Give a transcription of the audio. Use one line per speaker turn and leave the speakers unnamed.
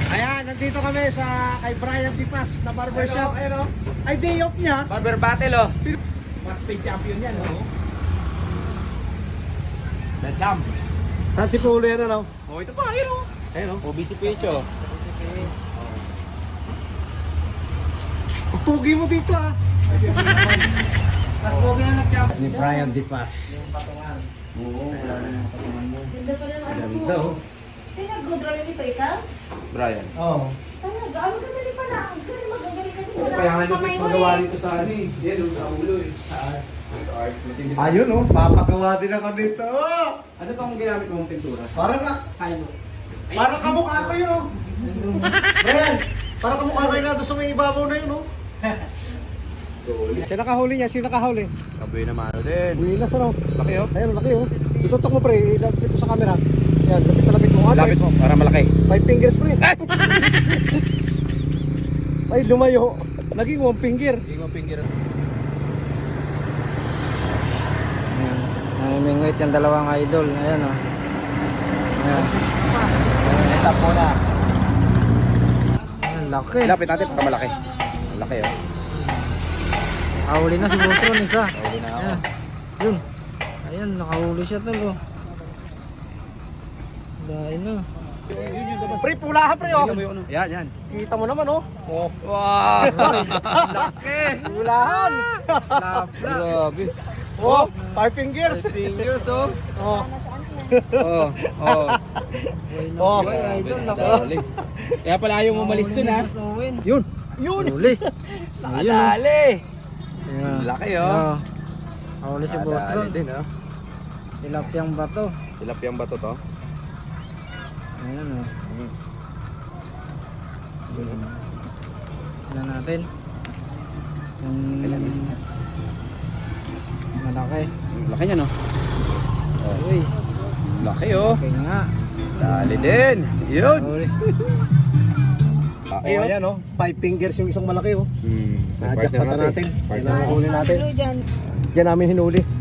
Ayan, nandito kami sa kay Brian Tipas na barbershop. Ay, day off niya.
Barber battle, oh. Mas paid champion yan, oh. The champ.
Saan tipo ulo yan, ano?
Oh, ito pa, ayun, oh.
Ayun, oh.
OBC Pecho.
Ang pugi mo dito, ah.
Mas pogi ang nag-champ.
Ni Brian Tipas.
Oo, wala na yung patungan mo.
Ganda, oh.
Sino nag-drawing nito, ikaw?
Brian.
Oo.
Talaga, ang ganda rin pala. Ang ganda magagaling kasi
Oh, kaya nga nung magawa dito sa ano eh. Yan, sa ulo eh. Sa art. Sa art. Matindi sa-
Ayun, oh. Papagawa din ako dito. Oh!
Ano tong ginamit mong pintura?
Parang na. Parang kamukha kayo, oh. Brian, parang kamukha kayo na doon sa may ibabaw na yun, oh. Sino nakahuli niya? Sino nakahuli?
Kaboy na mano din.
Wilas, ano?
Laki, oh.
Ayun, laki, oh. Itutok mo, pre. Ilapit mo sa camera. Yan, lapit na lapit mo. Ah,
Lapit mo, para malaki.
5 fingers, pre. Ay, lumayo. Naging 1 finger.
Hindi mo finger.
Namimingwit yung dalawang idol. Ayan o. Ayan.
Stop muna.
Ayan, laki.
Lapit natin para malaki. Malaki, oh.
Nakahuli na si Bostron isa.
Nakahuli na ako.
Ayan. Yun. Ayan, nakahuli siya tol o. Dahil na.
Pre, pulahan, pre, oh.
Yan, yan.
Kita mo naman, oh. Oh.
Wow! Laki!
Pulahan.
Lapla.
Grabe.
Oh, 5 fingers.
Fingers, oh.
Oh.
Oh, oh.
Oh.
Ay, idol,
Grabe,
nako.
nadali. Kaya pala ayaw mo malis dun, ha?
Yun.
Yun!
Huli.
Nakadali!
Ayan.
Laki, oh.
Ayan. Nakahuli si Bostron.
Nakadali din, oh.
Tilapyang bato.
Tilapyang bato to.
Ayan o.
Hmm.
Tignan natin. Yung malaki.
Laki niya, no? Oh.
Uy,
Laki, oh.
laki nga.
Dali din. Yun.
Huli.
Laki,
Oh, ayan, oh. 5 fingers yung isang malaki, oh.
Hmm.
Na-jackpot natin. Yan
Partner.
ang huli natin.
Ano dyan?
Diyan namin hinuli.